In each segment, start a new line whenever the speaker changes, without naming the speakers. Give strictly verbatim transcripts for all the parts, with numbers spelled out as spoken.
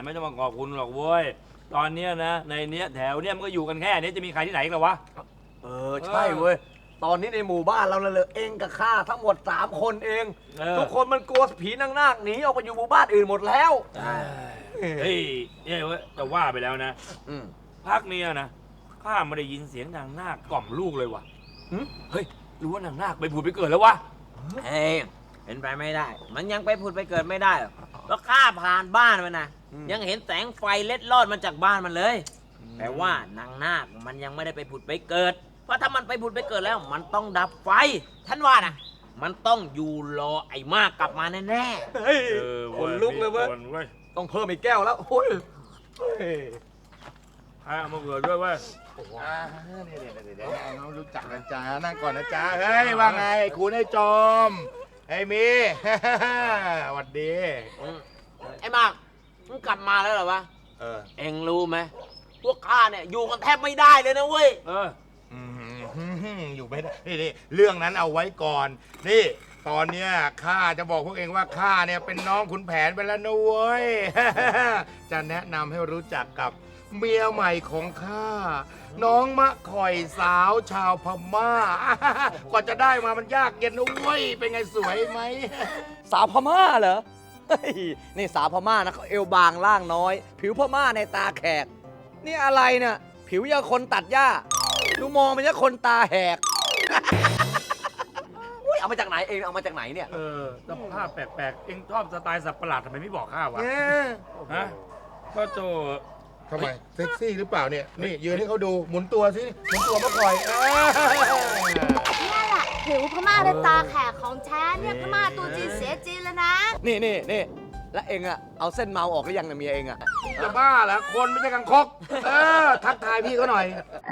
ไม่ต้องมาขอบคุณหรอกเว้ยตอนเนี้ยนะในเนี้ยแถวเนี้ยมันก็อยู่กันแค่นี้จะมีใครที่ไหนกันหรอวะ
เออใช่เว้ยตอนนี้ในหมู่บ้านเราเลยเองกับข้าทั้งหมดสามคนเองทุกคนมันกลัวผีนางนาคหนีออกไปอยู่หมู่บ้านอื่นหมดแล้ว
เฮ้ยเนี่ยเว้ยจะว่าไปแล้วนะพักเนี้ยนะข้าไม่ได้ยินเสียงนางนาคกล่อมลูกเลยว่ะเฮ้ยรู้ว่านางนาคไปผุดไปเกิดแล้ววะ
เฮ้ยเป็นไปไม่ได้ มันยังไปผุดไปเกิดไม่ได้หรอกแล้วข้าผ่านบ้านมันนะยังเห็นแสงไฟเล็ดลอดมาจากบ้านมันเลยแต่ว่านางนาคมันยังไม่ได้ไปผุดไปเกิดเพราะถ้ามันไปผุดไปเกิดแล้วมันต้องดับไฟท่านว่านะมันต้องอยู่รอไอ้มากกลับมาแน่
ๆเฮ้ยคนลุกเลยเว้ยต้องเพิ่มอีกแก้วแล้วโอ้ย
ให้เอามาเกิดด้วยเว้ย
เดี๋ยวๆน้องรู้จักนะจ๊ะนั่งก่อนนะจ๊ะเฮ้ยว่าไงคุณไอ้จอมไอ้มีสวัสดี
ไอ้มากมึงกลับมาแล้วเหรอวะเออเอ็งรู้ไหมพวกข้าเนี่ยอยู่กันแทบไม่ได้เลยนะเว้ย
เออ
อยู่ไม่ได้นี่เรื่องนั้นเอาไว้ก่อนนี่ตอนเนี้ยข้าจะบอกพวกเองว่าข้าเนี่ยเป็นน้องขุนแผนไปแล้วนะเว้ยจะแนะนำให้รู้จักกับเมียใหม่ของข้าน้องมะข่อยสาวชาวพม่ากว่าจะได้มามันยากเย็นนะเว้ยเป็นไงสวยไหม
สาวพม่าเหรอนี่สาวพม่านะเขาเอวบางล่างน้อย ผิวพม่าในตาแขกนี่อะไรเนี่ยผิวยังคนตัดหญ้าดูมองเป็นยังคนตาแหกอุ้ยเอามาจากไหนเองเอามาจากไหนเนี่ย
เออสภาพแปลกๆเองชอบสไตล์สับประหลาดทำไมไม่บอกข้าวะฮะก็โจ
ทำไมเซ็กซี่หรือเปล่าเนี่ยนี่ยืนให้เขาดูหมุนตัวสิหมุนตัวมาคอย
นี่แหละผิวพม่าในตาแขกของแท้เนี่ยพม่าตัวจีนเสียจีนแล้วนะ
นี่นี่นี่แล้วเองอะเอาเส้นเมาออกหรือยังนะเมียเองอะ
จะบ้าเหรอคนไม่ใช่กังคกเออทักทายพี่เขาหน่อย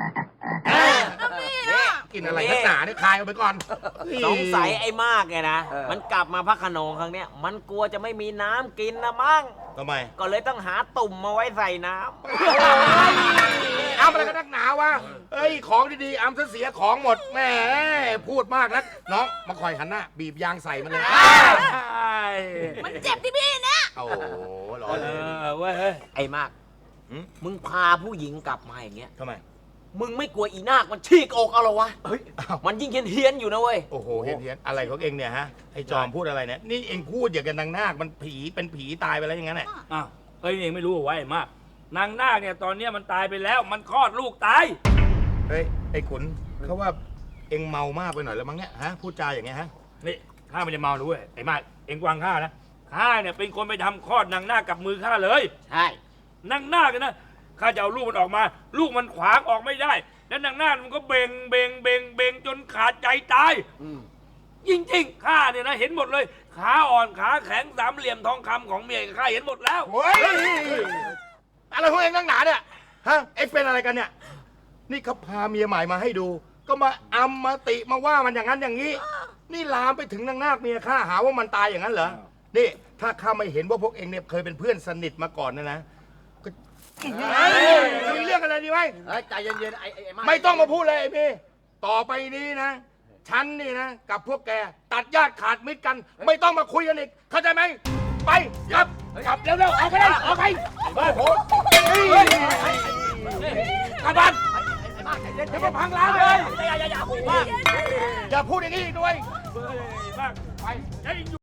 กินอะไรนักหนาเนี่ยคายออกไปก่อน
สงสัยไอ้มากไงนะมันกลับมาพักขนงครั้งเนี้ยมันกลัวจะไม่มีน้ำกินนะมั้ง
ทำไม
ก็เลยต้องหาตุ่มมาไว้ใส่น้
ำน้ำอะไรกันนักหนาวะเอ้ยของดีๆอ้ำเสียของหมดแหมพูดมากนักน้องมาคอยหันหน้าบีบยางใส่มันเลย
มันเจ็บที่พี่นะ
โอ้โหร้อ
นเลยเว้ย
ไอ้มากมึงพาผู้หญิงกลับมาอย่างเงี้ย
ทำไม
มึงไม่กลัวอีนาคมันฉีกอกเอาหรอวะเฮ้ยมันยิ่งเฮี้ยนอยู่นะเว้ย
โอ้โหเฮี้ยนอะไรของเองเนี่ยฮะไอ้จอมพูดอะไรเนี่ยนี่เองพูดอย่างกับนางนาคมันผีเป็นผีตายไปแล้วอย่างนั้นแหละ
อ้าวเฮ้ยเองไม่รู้เอาไว้มากนางนาคเนี่ยตอนนี้มันตายไปแล้วมันคลอดลูกตาย
เฮ้ยไอ้ขุนเขาว่าเองเมามากไปหน่อยแล้วมั้งเนี่ยฮะพูดจาอย่างเงี้ยฮะ
นี่ข้าไม่ได้เมาด้วยไอ้มากเองกวางข้านะข้าเนี่ยเป็นคนไปทำคลอดนางนาคกับมือข้าเลย
ใช่
นางนาคนะข้าจะเอาลูกมันออกมาลูกมันขวางออกไม่ได้แล้วนางนาคมันก็เบ่งเบ่งเบ่งเบ่งจนขาดใจตายจริงๆข้าเนี่ยนะเห็นหมดเลยขาอ่อนขาแข็งสามเหลี่ยมทองคำของเมียข้าเห็นหมดแล้ว
เฮ้ยอะไรของเองนักหนาเนี่ยฮะเอ็งเป็นอะไรกันเนี่ยนี่เขาพาเมียใหม่มาให้ดูก็มาอำมาติมาว่ามันอย่างนั้นอย่างนี้นี่ลามไปถึงนางนาคเมียข้าหาว่ามันตายอย่างนั้นเหรอนี่ถ้าข้าไม่เห็นว่าพวกเองเนี่ยเคยเป็นเพื่อนสนิทมาก่อนนะนะมีเรื่องอะไรดีไหม
ใจเย็นๆไอ้ไอ้
ไม่ต้องมาพูดเลยไอ้พี่ต่อไปนี้นะฉันนี่นะกับพวกแกตัดญาติขาดมิตรกันไม่ต้องมาคุยกันอีกเข้าใจไหมไปกลับกลับเร็วๆออกไปเลยออกไปโอ้โหกลับบ้านอย่ามาพังร้านเลยอย่าอย่าอย่าพูดอย่างนี้ด้วยไป